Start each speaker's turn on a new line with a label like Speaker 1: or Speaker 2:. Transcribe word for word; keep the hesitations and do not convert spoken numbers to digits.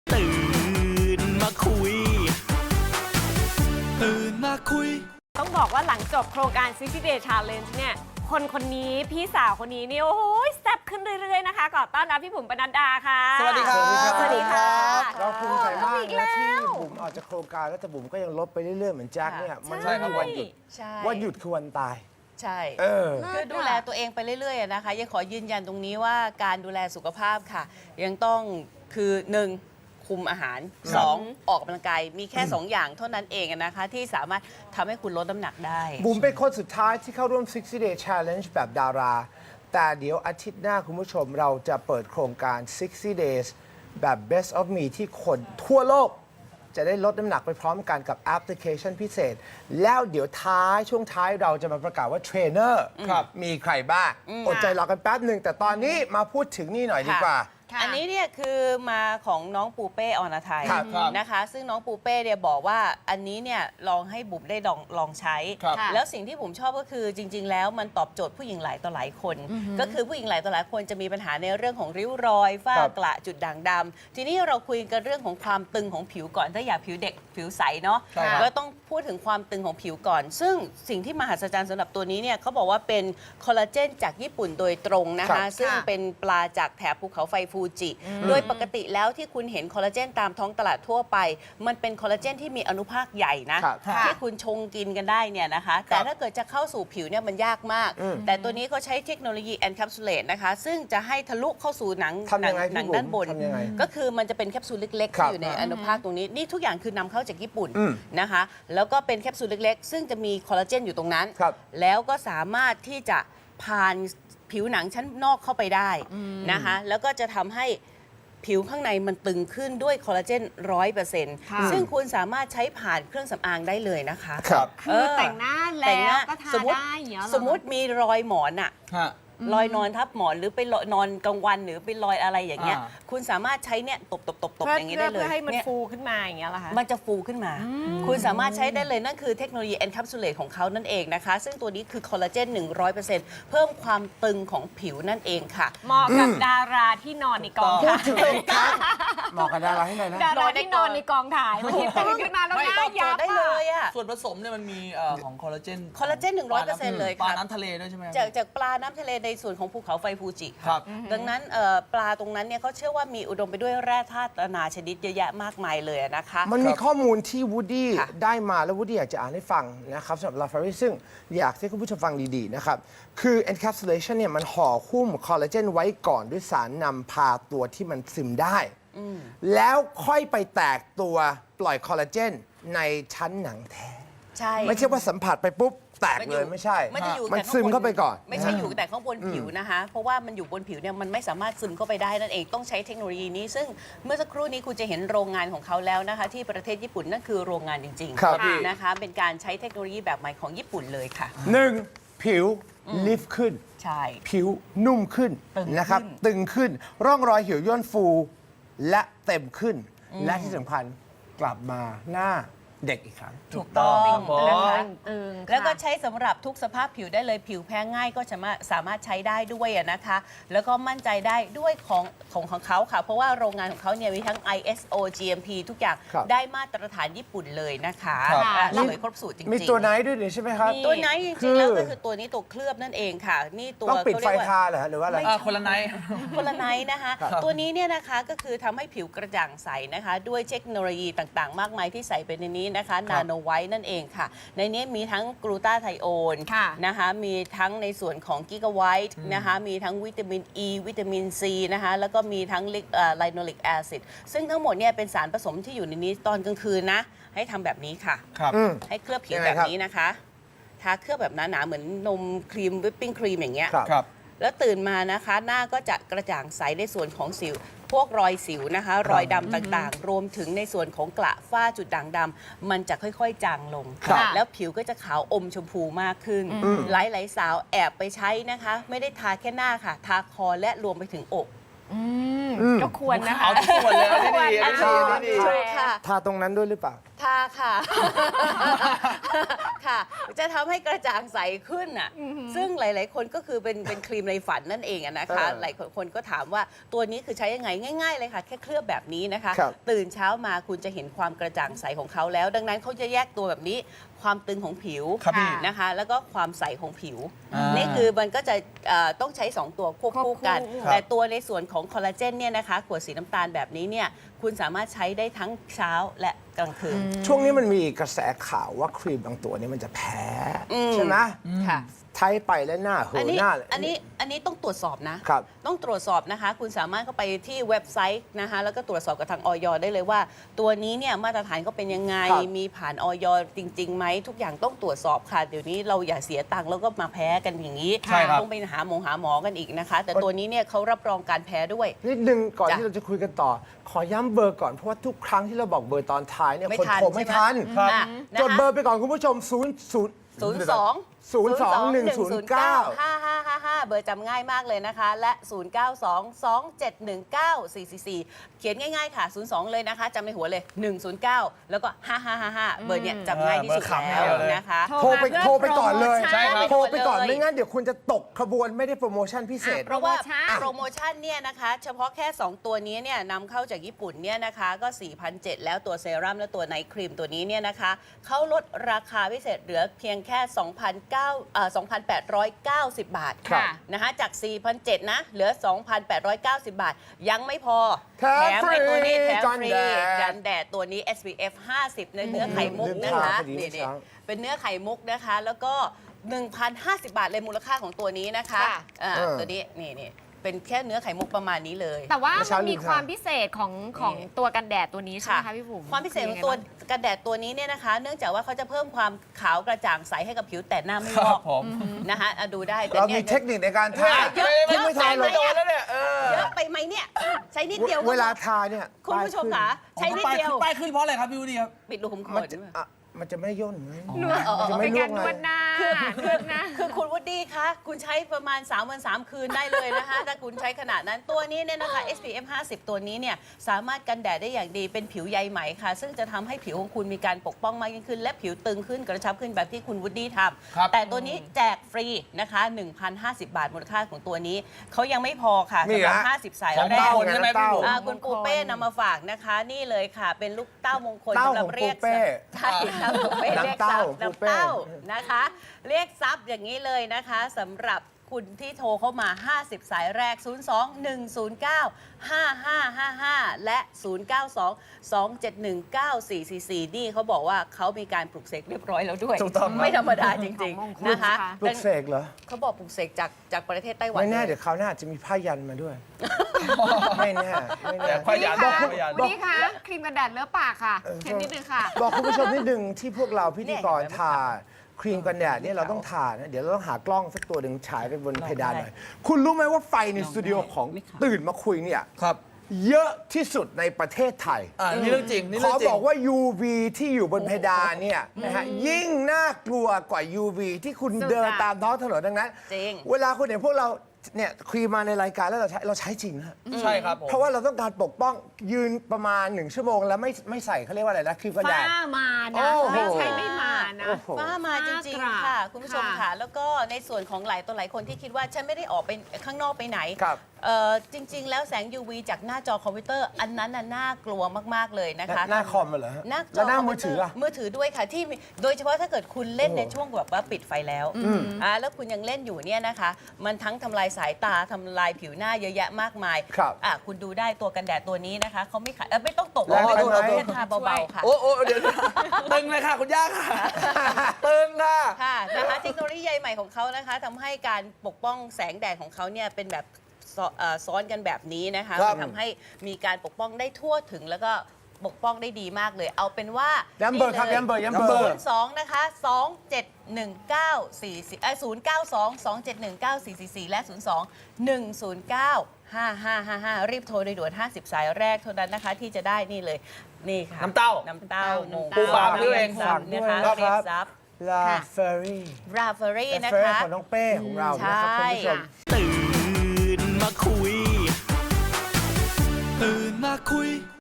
Speaker 1: ตื่นมาคุยตื่นมาคุย
Speaker 2: ต้องบอกว่าหลังจบโครงการ ซิกซ์ตี้ Day Challenge เนี่ยคนคนนี้พี่สาวคนนี้นี่โอ้ยแซ่บขึ้นเรื่อยๆนะคะขอต้อนรับพี่บุ๋มปนัดดาค่ะ
Speaker 3: สวัสดีครับ
Speaker 2: สวัสดีค่ะ
Speaker 4: เราภูมิใจมาก
Speaker 2: อีก
Speaker 4: นะ
Speaker 2: แล้
Speaker 4: ที่
Speaker 2: ว
Speaker 4: บุ๋มออกจากโครงการแล้วแต่บุ๋มก็ยังลดไปเรื่อยๆเหมือนแจ็คเนี่ยมัน
Speaker 3: ใช่
Speaker 4: ไม่
Speaker 3: ครั
Speaker 4: มี
Speaker 3: บ
Speaker 4: วันหยุด
Speaker 5: ใช่
Speaker 4: วันหยุดคือวันตาย
Speaker 5: ใช่
Speaker 4: เออ
Speaker 5: คือดูแลตัวเองไปเรื่อยๆอะนะคะยังขอยืนยันตรงนี้ว่าการดูแลสุขภาพค่ะ ยังต้องคือหนึ่งคุมอาหารสองออกกำลังกายมีแค่สองอย่างเท่านั้นเองอะนะคะที่สามารถทำให้คุณลดน้ำหนักได้
Speaker 4: บุ๋มเป็นคนสุดท้ายที่เข้าร่วม ซิกซ์ตี้ Day Challenge แบบดารา แต่เดี๋ยวอาทิตย์หน้าคุณผู้ชมเราจะเปิดโครงการ ซิกซ์ตี้ Days แบบ Best of Me ที่คนทั่วโลกจะได้ลดน้ำหนักไปพร้อมกันกับแอปพลิเคชันพิเศษ แล้วเดี๋ยวท้ายช่วงท้ายเราจะมาประกาศว่าเทรนเนอร์มีใครบ้างอดใจรอกันแป๊บหนึ่งแต่ตอนนี้มาพูดถึงนี่หน่อยดีกว่า
Speaker 5: อันนี้เนี่ยคือมาของน้องปูเป้อรไทย
Speaker 4: ครับครับ
Speaker 5: นะคะ ซึ่งน้องปูเป้เนี่ยบอกว่าอันนี้เนี่ยลองให้บุ๋มได้ลองลองใช้
Speaker 3: ครับ
Speaker 5: แล้วสิ่งที่บุ๋มชอบก็คือจริง ๆ แล้วมันตอบโจทย์ผู้หญิงหลายต่อหลายคน ก็คือผู้หญิงหลายต่อหลายคนจะมีปัญหาในเรื่องของริ้วรอยฝ้า
Speaker 4: ครับ
Speaker 5: กระจุดด่างดำทีนี้เราคุยกันเรื่องของความตึงของผิวก่อนถ้าอยากผิวเด็กผิวใสเนาะ
Speaker 3: ใช่ครับ
Speaker 5: ก็ต้องพูดถึงความตึงของผิวก่อน ซึ่งสิ่งที่มหัศจรรย์สำหรับตัวนี้เนี่ยเขาบอกว่าเป็นคอลลาเจนจากญี่ปุ่นโดยตรงนะ
Speaker 4: ครั
Speaker 5: คะ
Speaker 4: บ
Speaker 5: ซึ่งเป็นปลาจากแถบภูเขาไฟฟูจิ โดยปกติแล้วที่คุณเห็นคอลลาเจนตามท้องตลาดทั่วไป มันเป็นคอลลาเจนที่มีอนุภาคใหญ่นะครับ ที่คุณชงกินกันได้เนี่ยนะคะ แต่ถ้าเกิดจะเข้าสู่ผิวเนี่ยมันยากมาก แต่ตัวนี้เขาใช้เทคโนโลยี encapsulate นะคะ ซึ่งจะให้ทะลุเข้าสู่หนัง
Speaker 4: ทำยังไง
Speaker 5: หนั
Speaker 4: พี่
Speaker 5: ด้านบ
Speaker 4: บุ๋
Speaker 5: น
Speaker 4: มทำยังไง
Speaker 5: ก็คือมันจะเป็นแคปซูลเล็กๆ
Speaker 4: ครับ
Speaker 5: ที่อยู่ในอนุภาคตรงนี้ นี่ทุกอย่างคือนำเข้าจากญี่ปุ่น
Speaker 4: อืม
Speaker 5: นะคะ แล้วก็เป็นแคปซูลเล็กๆ ซึ่งจะมีคอลลาเจนอยู่ตรงนั้น
Speaker 4: ครับ
Speaker 5: แล้วก็สามารถที่จะผ่านผิวหนังชั้นนอกเข้าไปได้นะคะ แล้วก็จะทำให้ผิวข้างในมันตึงขึ้นด้วยคอลลาเจนร้อยเปอร์เซ็นต์
Speaker 2: ค่ะ
Speaker 5: ซึ่งคุณสามารถใช้ผ่านเครื่องสำอางได้เลยนะคะ
Speaker 4: ครับ
Speaker 2: คือแต่งหน้า
Speaker 5: แต่งห
Speaker 2: แล้
Speaker 5: น้าว
Speaker 2: ก็ทา
Speaker 5: สมมติ
Speaker 2: ได้อย่างเงี้ยเหรอ
Speaker 5: สมมติมีรอยหมอนอะ
Speaker 3: ฮะ
Speaker 5: รอยนอนทับหมอนหรือไปนอนกลางวันหรือไปรอยอะไรอย่างเงี้ย
Speaker 3: อ่า
Speaker 5: คุณสามารถใช้เนี่ยตบตบตบตบ
Speaker 2: เพื่อ
Speaker 5: อย่างงี้ได้เลย
Speaker 2: เพื่อให้มัน
Speaker 5: เนี่ย
Speaker 2: ฟูขึ้นมาอย่างเงี้ยเหรอคะ
Speaker 5: มันจะฟูขึ้นมา คุณสามารถใช้ได้เลยนั่นคือเทคโนโลยี encapsulate ของเขานั่นเองนะคะ ซึ่งตัวนี้คือคอลลาเจน หนึ่งร้อยเปอร์เซ็นต์ เพิ่มความตึงของผิวนั่นเองค่ะ
Speaker 2: เหมาะกับดาราที่นอนในกอง
Speaker 4: พู
Speaker 2: ถ่า
Speaker 4: ด
Speaker 2: ย
Speaker 4: ถึงอีกครั้งเหมาะกับดาราให้หน่อยนะ
Speaker 2: ดาราที่นอนในกองถ่ายบางทีตื่นขึ้นมาแล้ว
Speaker 3: ไม่
Speaker 2: หน้า
Speaker 3: ตอบโจ
Speaker 2: ยั
Speaker 3: ท
Speaker 2: บ
Speaker 3: ย์
Speaker 5: ได้เลยอะ
Speaker 3: ส่วนผสมเนี่ยมันมีเอ่อของคอลลาเจน
Speaker 5: คอลลาเจน หนึ่งร้อยเปอร์เซ็นต์ เลย
Speaker 3: ปลา
Speaker 5: ค่ะ
Speaker 3: น้ำทะเลด้วยใช่ไหม
Speaker 5: จากจากปลาน้ำทะเลในส่วนของภูเขาไฟฟูจิ
Speaker 3: ครับ
Speaker 5: ดังนั้นเอ่อปลาตรงนั้นเนี่ยเขาเชื่อว่ามีอุดมไปด้วยแร่ธาตุนานาชนิดเยอะแยะมากมายเลยนะคะ
Speaker 4: มันมีข้อมูลที่วูดดี้
Speaker 5: ค่ะ
Speaker 4: ได้มาแล้ววูดดี้อยากจะอ่านให้ฟังนะครับสำหรับลาฟารีซึ่งอยากให้คุณผู้ชมฟังดีๆนะครับ คือ encapsulation เนี่ยมันห่อหุ้มคอลลาเจนไว้ก่อนด้วยสารนำพาตัวที่มันซึมได้ แล้วค่อยไปแตกตัวปล่อยคอลลาเจนในชั้นหนังแท้
Speaker 5: ใช่
Speaker 4: ไม่ใช่ว่าสัมผัสไปปุ๊บ แตกเลยไม่ใช่
Speaker 5: มันจะอยู่
Speaker 4: มัน
Speaker 5: แต่ข้างบ
Speaker 4: ซึมเข้าไปก่อน
Speaker 5: ไม่ใช่อยู่แต่ข้างบนผิวนะคะ เพราะว่ามันอยู่บนผิวเนี่ยมันไม่สามารถซึมเข้าไปได้นั่นเองต้องใช้เทคโนโลยีนี้ ซึ่งเมื่อสักครู่นี้คุณจะเห็นโรงงานของเขาแล้วนะคะ ที่ประเทศญี่ปุ่นนั่นคือโรงงานจริง
Speaker 4: ครับ
Speaker 5: ๆนะคะ เป็นการใช้เทคโนโลยีแบบใหม่ของญี่ปุ่นเลยค่ะ
Speaker 4: หนึ่งผิวลิฟต์ขึ้น
Speaker 5: ใช่
Speaker 4: ผิวนุ่มขึ้น
Speaker 5: ตึงขึ้น
Speaker 4: นะครับ ตึงขึ้น ร่องรอยเหี่ยวย่นฟู และเต็มขึ้น และที่สำคัญกลับมาหน้าเด็กอีกครั้ง
Speaker 5: ถูกต้อง
Speaker 3: ครับผม
Speaker 5: นะคะ
Speaker 2: ตึงๆ
Speaker 5: แล้วก็
Speaker 2: ค่ะ
Speaker 5: ใช้สำหรับทุกสภาพผิวได้เลยผิวแพ้ง่ายก็สามารถสามารถใช้ได้ด้วยอะนะคะ แล้วก็มั่นใจได้ด้วยของของของเขาค่ะ เพราะว่าโรงงานของเขาเนี่ยมีทั้ง ไอ เอส โอ จี เอ็ม พี ทุกอย่าง
Speaker 4: ครับ
Speaker 5: ได้มาตรฐานญี่ปุ่นเลยนะคะ
Speaker 3: ครับ
Speaker 5: อ่ะสวยครบสูตรจริงๆ
Speaker 4: มีตัวไหนด้วยนี่ใช่ไหมครับ
Speaker 5: ตัวไหนจ
Speaker 4: คื
Speaker 5: ริง
Speaker 4: อ
Speaker 5: ๆแล้วก็คือตัวนี้ตัวเคลือบนั่นเองค่ะ นี่ตัว
Speaker 4: ต้องปิดไฟ
Speaker 5: เขเรียกว่า
Speaker 4: ทาเหรอฮะหรือว่าอะไร
Speaker 3: อ่าคนละไนท์
Speaker 5: คนละไนท์นะคะ
Speaker 4: ครับ
Speaker 5: ตัวนี้เนี่ยนะคะก็คือทำให้ผิวกระจ่างใสนะคะ ด้วยเทคโนโลยีต่างๆ มากมายที่ใส่ไปในนี้นะคะนาโนไวท์นั่นเองค่ะ ในนี้มีทั้งกลูตาไทโอน
Speaker 2: ค่ะ
Speaker 5: นะคะมีทั้งในส่วนของกิกะไวท์นะคะมีทั้งวิตามิน E วิตามิน C นะคะแล้วก็มีทั้งไลโนลิกแอซิดซึ่งทั้งหมดเนี่ยเป็นสารผสมที่อยู่ในนี้ตอนกลางคืนนะ ให้ทำแบบนี้ค่ะ
Speaker 3: ครับ
Speaker 4: อืม
Speaker 5: ให้เคลือบผิว
Speaker 4: ยังไง
Speaker 5: แบบ
Speaker 4: ครับ
Speaker 5: นี้นะคะทาเคลือบแบบหนาๆเหมือนนมครีมวิปปิ้งครีมอย่างเงี้ย
Speaker 4: ครับ
Speaker 3: ครับ
Speaker 5: แล้วตื่นมานะคะหน้าก็จะกระจ่างใสในส่วนของสิว พวกรอยสิวนะคะ รอยดำต่างๆ รวมถึงในส่วนของกระฝ้าจุดด่างดำมันจะค่อยๆ จางลง
Speaker 4: ครับ
Speaker 5: แล้วผิวก็จะขาวอมชมพูมากขึ้น หลายๆสาวแอบไปใช้นะคะ ไม่ได้ทาแค่หน้าค่ะ ทาคอและรวมไปถึงอก
Speaker 2: อืมก็ควรนะคะ
Speaker 3: เอาทุกส่วนเลยอันนี้ดีอันนี้ดีอันนี้ดี
Speaker 5: ถูกค่ะ
Speaker 4: ทาตรงนั้นด้วยหรือเปล่า
Speaker 5: ทาค่ะค่ะ จะทำให้กระจ่างใสขึ้นอ่ะซึ่งหลาย ๆ คนก็คือเป็นเป็นครีมในฝันนั่นเองอะนะคะ
Speaker 4: เออ
Speaker 5: หลายคนก็ถามว่าตัวนี้คือใช้ยังไงง่าย ๆ เลยค่ะ แค่เคลือบแบบนี้นะคะ
Speaker 4: ครับ
Speaker 5: ตื่นเช้ามาคุณจะเห็นความกระจ่างใสของเขาแล้ว ดังนั้นเขาจะแยกตัวแบบนี้ความตึงของผิว
Speaker 3: ครับพี่
Speaker 5: นะคะ แล้วก็ความใสของผิว
Speaker 3: อ่านี่
Speaker 5: นี่คือมันก็จะเอ่อต้องใช้สองตัวควบคู่กัน
Speaker 2: ควบคู่
Speaker 5: แต่ตัวในส่วนของคอลลาเจนเนี่ยนะคะขวดสีน้ำตาลแบบนี้เนี่ยคุณสามารถใช้ได้ทั้งเช้าและกลางคืน
Speaker 4: ช่วงนี้มันมีกระแสข่าวว่าครีมบางตัวนี้มันจะแพ้ ใช่ไหม
Speaker 5: ค่ะ
Speaker 4: ใช้ไปแล้วหน้าเหี่
Speaker 5: อัน
Speaker 4: ยว
Speaker 5: นี้
Speaker 4: หน้าเลย
Speaker 5: อันนี้อันนี้ต้องตรวจสอบนะ
Speaker 4: ครับ
Speaker 5: ต้องตรวจสอบนะคะ คุณสามารถเข้าไปที่เว็บไซต์นะคะ แล้วก็ตรวจสอบกับทางออยได้เลยว่า ตัวนี้เนี่ยมาตรฐานก็เป็นยังไง
Speaker 4: ครับ
Speaker 5: มีผ่านออยจริงๆไหมทุกอย่างต้องตรวจสอบค่ะ เดี๋ยวนี้เราอย่าเสียตังค์แล้วก็มาแพ้กันอย่างนี้
Speaker 3: ใช่ครับ
Speaker 5: ต้องไปหาหมอหาหมอกันอีกนะคะ แต่ตัวนี้เนี่ยเขารับรองการแพ้ด้วย
Speaker 4: นิดนึงก่อน
Speaker 5: จ้ะ
Speaker 4: ที่เราจะคุยกันต่อ ขอย้ำเบอร์ก่อน เพราะว่าทุกครั้งที่เราบอกเบอร์ตอนท้ายเนี่ย
Speaker 5: ไม่
Speaker 4: คน
Speaker 5: ทัน
Speaker 4: โทรไม่
Speaker 5: ใช่ไหม
Speaker 4: ทัน
Speaker 5: ครับ
Speaker 4: จดเบอร์ไปก่อนคุณผู้ชม 0 0
Speaker 5: ศูนย์สอง
Speaker 4: ศูนย์สองหนึ่งศูนย์เก้า
Speaker 5: ห้าห้าห้าห้าเบอร์จำง่ายมากเลยนะคะ และ ศูนย์ เก้า สอง สอง เจ็ด หนึ่ง เก้า สี่ สี่ สี่ เขียนง่ายๆค่ะ ศูนย์ สอง เลยนะคะจำในหัวเลย หนึ่ง ศูนย์ เก้า แล้วก็ ห้า ห้า ห้า ห้า เบอร์เนี้ยจำง่ายที่สุด
Speaker 3: เบอร์ขำ
Speaker 5: แล้ว
Speaker 3: เดียวเลย
Speaker 5: นะคะ
Speaker 4: โทรไป
Speaker 2: มา
Speaker 4: โทรไปก่อนเลย
Speaker 2: ใช่ครับ
Speaker 4: โทรไปก่อน
Speaker 5: เลย
Speaker 4: ไม่งั้นเดี๋ยวคุณจะตกขบวนไม่ได้โปรโมชั่นพิเศษ
Speaker 5: เพราะว่า
Speaker 2: โปรโมชั่น
Speaker 5: โปรโมชั่นเนี่ยนะคะ เฉพาะแค่ สอง ตัวนี้เนี่ยนำเข้าจากญี่ปุ่นเนี่ยนะคะก็ สี่พันเจ็ดร้อย แล้วตัวเซรั่มและตัวไนท์ครีมตัวนี้เนี่ยนะคะเขาลดราคาพิเศษเหลือเพียงแค่ สองพันเก้าร้อยเอ่อ สองพันแปดร้อยเก้าสิบ บาท
Speaker 4: ครับ
Speaker 5: นะคะจาก สี่พันเจ็ดร้อย นะ เหลือ สองพันแปดร้อยเก้าสิบ บาท ยังไม่พอ
Speaker 4: แถม
Speaker 5: ไอ้ตัวนี้แถม
Speaker 4: กัน
Speaker 5: ฟรี
Speaker 4: แดด
Speaker 5: กันแดดตัวนี้ เอส พี เอฟ ห้าสิบ ในเนื้อไข่มุก
Speaker 4: ลืม
Speaker 5: นะ
Speaker 4: ถาม
Speaker 5: คะ
Speaker 4: พอดี
Speaker 5: นี่
Speaker 4: เมื่อเช้า
Speaker 5: ๆเป็นเนื้อไข่มุกนะคะ แล้วก็ หนึ่งพันห้าสิบ บาทเลยมูลค่าของตัวนี้นะคะ
Speaker 2: ค่ะ
Speaker 5: อ่า
Speaker 4: เออ
Speaker 5: ตัวนี้นี่นี่เป็นแค่เนื้อไข่มุกประมาณนี้เลย
Speaker 2: แต่ว่า
Speaker 4: เมื่อเช้า
Speaker 2: มันมี
Speaker 4: ลืม
Speaker 2: ความ
Speaker 4: ทาน
Speaker 2: พิเศษของของตัวกันแดดตัวนี้ใช่ไหมคะพี่บุ๋ม
Speaker 5: ความพิเศษของตัวกันแดดตัวนี้เนี่ยนะคะ เนื่องจากว่าเขาจะเพิ่มความขาวกระจ่างใสให้กับผิวแต่หน้าไม่วอก
Speaker 3: ผม
Speaker 5: นะคะอ่ะดูได้แต่
Speaker 4: เรา
Speaker 5: นี่
Speaker 4: มี
Speaker 5: ย
Speaker 4: เทคนิคในการทา
Speaker 5: เยอะ
Speaker 4: ที่ไม่ทาหรอก
Speaker 5: เยอะ
Speaker 3: แล้วเนี่ยเออ
Speaker 5: เยอะไปไหมเนี่ย ใช้นิดเดียวก็
Speaker 4: เวลาทาเนี่ย
Speaker 5: คุณผู้ชมค่ะใช้นิดเดียว
Speaker 3: ป้ายขึ้นเพราะอะไรครับพี่วูดดี้ครับ
Speaker 5: ปิดรูขุมข
Speaker 4: มัน
Speaker 5: น
Speaker 4: จะอ่ะมันจะไม่ย่นไง
Speaker 2: นวด
Speaker 4: มันจะไม่
Speaker 2: เป็น
Speaker 4: ลว
Speaker 2: กาก รน
Speaker 4: ไง
Speaker 2: วดหน้านวดหน้า
Speaker 5: คือคุณวูดดี้คะคุณใช้ประมาณ สาม วัน สาม คืนได้เลยนะคะ ถ้าคุณใช้ขนาดนั้นตัวนี้เนี่ยนะคะ เอส พี เอฟ ห้าสิบ ตัวนี้เนี่ยสามารถกันแดดได้อย่างดีเป็นผิวใยไหมค่ะ ซึ่งจะทำให้ผิวของคุณมีการปกป้องมากยิ่งขึ้น และผิวตึงขึ้นกระชับขึ้นแบบที่คุณวูดดี้ท
Speaker 3: ครับ
Speaker 5: ำแต่ตัวนี้แจกฟรีนะคะ หนึ่งพันห้าสิบ บาทมูลค่าของตัวนี้เขายังไม่พอค่ะ
Speaker 4: นี่
Speaker 5: สำหรับ
Speaker 4: ฮะ
Speaker 5: ห้าสิบสาย
Speaker 3: ของ
Speaker 5: แร
Speaker 3: เต้าก ใช่ไหมพี่บุ๋ม
Speaker 5: อ่าคุณปูเป้นำมาฝากนะคะ นี่เลยค่ะ เป็นลูกเต้ามงคล
Speaker 4: เต้า
Speaker 5: สำหรับ
Speaker 4: ของ
Speaker 5: เรียก
Speaker 4: ปูเป้
Speaker 5: ใช่เต้าปูเป้เรียกทรัพย์
Speaker 4: น้ำเต้าปูเป้
Speaker 5: น้ำเต้านะคะ เรียกทรัพย์อย่างนี้เลยนะคะสำหรับคุณที่โทรเข้ามา ห้าสิบ สายแรก ศูนย์ สอง หนึ่ง ศูนย์ เก้า ห้า ห้า ห้า ห้า และ ศูนย์ เก้า สอง สอง เจ็ด หนึ่ง เก้า สี่ สี่ สี่ นี่เขาบอกว่าเขามีการปลุกเสกเรียบร้อยแล้วด้วย
Speaker 3: ถูกต้องครับ
Speaker 5: ไม่ธรรมดาจริง
Speaker 2: ของมงคล
Speaker 5: ๆนะคะ
Speaker 2: ค่ะ
Speaker 4: ปลุกเสกเหรอ
Speaker 5: เขาบอกปลุกเสกจากจากประเทศไต้หวัน
Speaker 4: ไม่แน่
Speaker 5: ล
Speaker 4: เดี๋ยวคราวหน้าอาจจะมีผ้ายันมาด้วย ไม่แน่ไม่
Speaker 3: แต่
Speaker 4: แน่
Speaker 3: พยัน
Speaker 2: นี่ค่ะ
Speaker 3: พยัน
Speaker 2: วันนี้ค่ะครีมกันแดดเลอะปากค่ะเห็นนิดนึงค่ะ
Speaker 4: บอกคุณผู้ชมนิดนึงที่พวกเราพิธีกรทาครีมกันแดดเนี่ยเราต้องทานะเดี๋ยวเราต้องหากล้องสักตัวหนึ่งฉายไปบนเพดานหน่อย คุณรู้ไหมว่าไฟในสตูดิโอของตื่นมาคุยเนี่ย
Speaker 3: ครับ
Speaker 4: เยอะที่สุดในประเทศไทย
Speaker 3: อ่านี่เรื่องจริงนี่
Speaker 4: ข
Speaker 3: เรื่
Speaker 4: อ
Speaker 3: องจริง
Speaker 4: บอกว่า ยู วี ที่อยู่บนเพดานเนี่ยนะฮะยิ่งน่ากลัวกว่า ยู วี ที่คุณ
Speaker 2: สุดอะ
Speaker 4: เดินตามท้องถนนดังนั้น
Speaker 5: จริง
Speaker 4: เวลาคุณเห็นพวกเราเนี่ยครีมมาในรายการแล้วเราใช้เราใช้จริงนะ
Speaker 3: ใช่ครับผม
Speaker 4: เพราะว่าเราต้องการปกป้องยืนประมาณหนึ่งชั่วโมง แล้วไม่ไม่ใส่เขาเรียกว่าอะไรนะครีมกันแด
Speaker 2: ฝ้า
Speaker 4: ด
Speaker 2: มา
Speaker 4: โอ้
Speaker 2: นะ
Speaker 4: โห
Speaker 2: ไม่ใช่ไม่มานะ
Speaker 4: โอ้โห
Speaker 5: ฟ้ามาจริง ๆ ค่ะ คุณผู้ชม
Speaker 2: ค่ะ
Speaker 5: ค่ะ แล้วก็ในส่วนของหลายตัวหลายคนที่คิดว่า ฉันไม่ได้ออกไปข้างนอกไปไหน
Speaker 4: ครับ
Speaker 5: เอ่อจริง ๆ แล้วแสง ยู วี จากหน้าจอคอมพิวเตอร์ อันนั้นน่ะน่ากลัวมาก ๆ เลยนะคะ
Speaker 4: หน้าคอมเหรอฮะ
Speaker 5: หน้าจ
Speaker 4: แล้วหน้า
Speaker 5: ค
Speaker 4: มือถืออะ
Speaker 5: มือถือด้วยค่ะที่มีโดยเฉพาะถ้าเกิดคุณเล่น
Speaker 4: โอ้
Speaker 5: ในช่วงแบบว่าปิดไฟแล้วอ่าแล้วคุณยังเล่นอยู่เนี่ยนะคะ มันทั้งทำลายสายตาทำลายผิวหน้าเยอะแยะมากมาย
Speaker 4: ครับ
Speaker 5: อ่ะคุณดูได้ตัวกันแดดตัวนี้นะคะเขาไม่ขายเอ่อไม่ต้องตก
Speaker 4: แรงไปไหม
Speaker 5: แค่ทาเบาๆค่ะ
Speaker 3: โอ้โอ้เดี๋ยวตึงเลยค่ะคุณย่าค่ะตึงค่ะ
Speaker 5: ค่ะนะคะเทคโนโลยีใยใหม่ของเขานะคะทำให้การปกป้องแสงแดดของเขาเนี่ยเป็นแบบซ้อเอ่อซ้อนกันแบบนี้นะคะ
Speaker 3: ครับ
Speaker 5: ทำให้มีการปกป้องได้ทั่วถึงแล้วก็ปกป้องได้ดีมากเลย เอาเป็นว่า
Speaker 4: ย้ำเบอร์ครับย้ำเบอร์ย้ำเบอ
Speaker 3: ย้ำเบอ
Speaker 4: ร์
Speaker 3: ร์
Speaker 5: สองนะคะสองเจ็ดหนึ่งเก้าสี่สี่เอ้ศูนย์เก้าสองสองเจ็ดหนึ่งเก้าสี่สี่สี่และศูนย์สองหนึ่งศูนย์เก้าห้าห้าห้าห้ารีบโทรโดยด่วนห้าสิบสายแรกเท่านั้นนะคะที่จะได้นี่เลยนี่ค่ะ
Speaker 3: น้ำเต้า
Speaker 5: น้ำเต้า
Speaker 2: น้ำเต้า
Speaker 3: ปูปลาพี่เอง
Speaker 5: ซับนะคะ
Speaker 4: ฝากด้วย
Speaker 5: เรีย
Speaker 4: นะ
Speaker 5: ก
Speaker 4: ครับ
Speaker 5: ซับ
Speaker 4: ลา
Speaker 5: ค่ะ
Speaker 4: เฟอรี่
Speaker 5: ราเฟอรี่
Speaker 4: ลา
Speaker 5: นะ
Speaker 4: เฟอรี่
Speaker 5: คะ
Speaker 4: ของน้องเป้ของเรานะครับคุณผู้ชม
Speaker 1: ตื่นมาคุย ตื่นมาคุย